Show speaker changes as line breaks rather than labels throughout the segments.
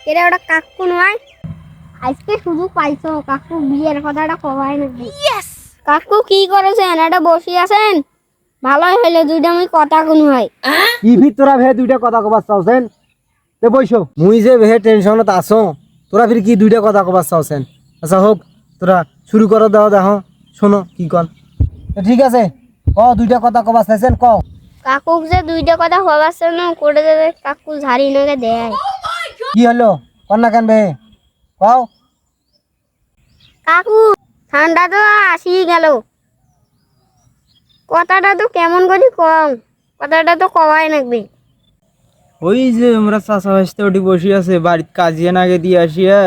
এটা ওটা কাকু নয়, আজকে শুধু পাইছো কাকু বিয়ের কথাটা কবাই নাকি। কাকু কি করেছেন? এটা বসে আছেন, ভালোই হইলে দুইটা আমি কথা কোন হয়।
কি তোরা ভে দুইটা কথা কবার চাওছেন? তে বইসো মুই যে ভে টেনশনত আছো, তোরা ফির কি দুইটা কথা কবার চাওছেন? আচ্ছা হোক, তোরা শুরু করো, দাও দেখো শোনো কি কন। ঠিক আছে, ক দুইটা কথা কবার চাইছেন ক।
কাকু যে দুইটা কথা হবাচ্ছে না করে দেবে, কাকু ঝাড়ি নাকে দেয়।
কি হলো কন না কেন ভে কও।
কাকু ঠান্ডা তো আসি গেল, কথাটা তো কেমন করি কম, কথাটা তো কবাই নাকবে।
ওই যে আমরা চাষা ভাসতে ওটি বসে আছে, বাড়ির কাজিয়ে নাগে দিয়ে আসিয়া।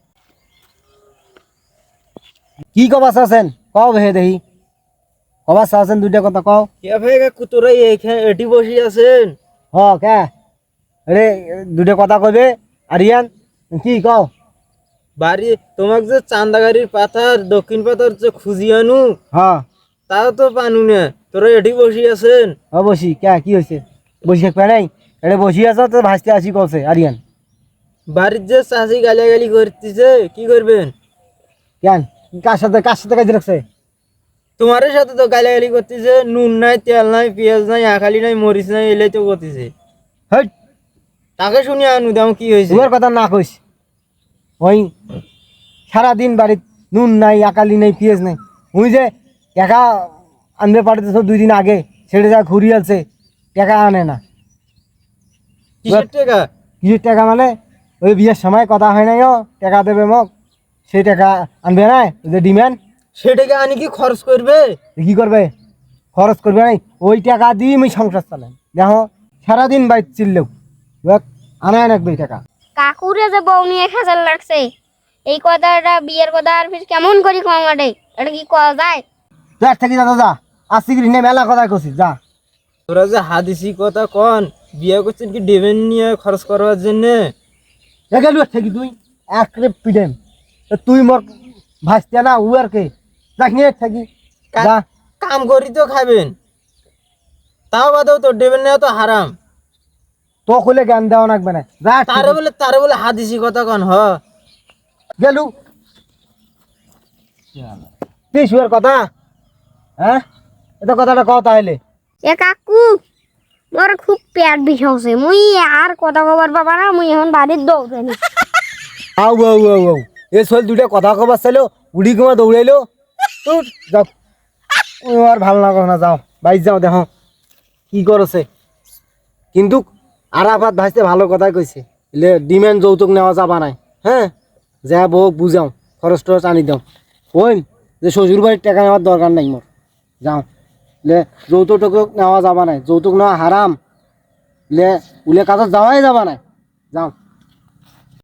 কি কবার চাওছেন কও ভে দেখি, কবার চাওছেন দুইটা কথা কও।
কে ভাই কাকু তোরা এইখানে এটি বসে আছেন?
হ কে রে, দুইটা কথা কইবে। আর ইয়ান কি কও।
বাড়ি তোমাকে যে চান্দাগাড়ির পাথার দক্ষিণ পাথার যে খুঁজি আনু,
হ্যাঁ
তাও তো পানু না, তোরা এটি বসে আছেন।
বসি কে কি হয়েছে? বসি থাকবে নাই, এটা বসি আছো তো ভাসতে আসি কছে। আর ইয়ান
বাড়ির যে চাষি গালাগালি করতেছে, কি করবেন?
কেন কার সাথে কাজে রাখছে?
তোমার সাথে তো গালাগালি করতেছে, নুন নাই, তেল নাই, পেঁয়াজ নাই, আখালি নাই, মরিচ নাই, এলাই তো করতেছে।
হেট,
তাকে শুনিয়ে আনু দাম কি হয়েছে।
তোমার কথা না কইস। ওই সারাদিন বাড়ির নুন নাই, আকালি নাই, পেঁয়াজ নাই। ওই যে টাকা আনবে পাঠাতেছ 2 দিন আগে, ছেড়ে যা ঘুরি আছে, টাকা আনে না।
কিসের টাকা?
কিছু টাকা মানে ওই বিয়ের সময় কথা হয় নাই, টাকা দেবে মোক, সেই টাকা আনবে না। ওই যে ডিমান্ড,
সে টাকা আনি কি খরচ করবে?
কি করবে? খরচ করবে নাই, ওই টাকা দিয়ে আমি সংসার চালাই। দেখো সারাদিন বাইর চিল্লেও আনায় রাখবে এই টাকা।
কাকুরে যে বউ নিয়ে খেসাল লাগছে, এই কথাটা বিয়ের কথা আর ফির কেমন করি কম আটে, এটা কি করা যায়?
যা থাকি যা যা, আসছি কি নে মেলা কথা করছিস যা।
তোরা যে হাদিসি কথা কন, বিয়ে করছেন কি ডেবেন নিয়ে খরচ করবার জন্য?
গেলু থাকি তুই একরে পিডেম, তুই মোর ভাসতে না উ আর কে যাক নিয়ে থাকি যা।
কাম করি তো খাবেন, তাও বাদেও তো ডেবেন নেওয়া তো হারাম।
তো খুলে জ্ঞান দেওয়া লাগবে না, যা
তারে বলে হাদিসি কথা কন।
গেলু তুই শুয়ার কথা। হ্যাঁ এটা কথাটা কও তাহলে।
এ কাকু মোর খুব পেট বিষাইছে, মুই আর কথা কবার বাবা না, মুই এখন বাড়ির দৌড়ে নি।
আউ আউ আউ আউ এ শোল দুইটা কথা কবার চাইলো, উড়ি কমা দৌড়াইলো। তোর যাও, ও আর ভালো লাগো না, যাও বাইর যাও দেখো কি করছে। কিন্তু আরাফাত ভাইতে ভালো কথাই কইছে, এলে ডিমান্ড যৌতুক নেওয়া যাবা নাই। হ্যাঁ যা বউ বুঝাও, খরচ টরচ আনি দাও। ওই যে শ্বশুর বাড়ির টাকা নেওয়ার দরকার নাই মোর, যাও। লে যৌতুক টুকুক নেওয়া যাবা নাই, যৌতুক নেওয়া হারাম। লে উলে কাজত যাওয়াই যাবা নাই, যাও।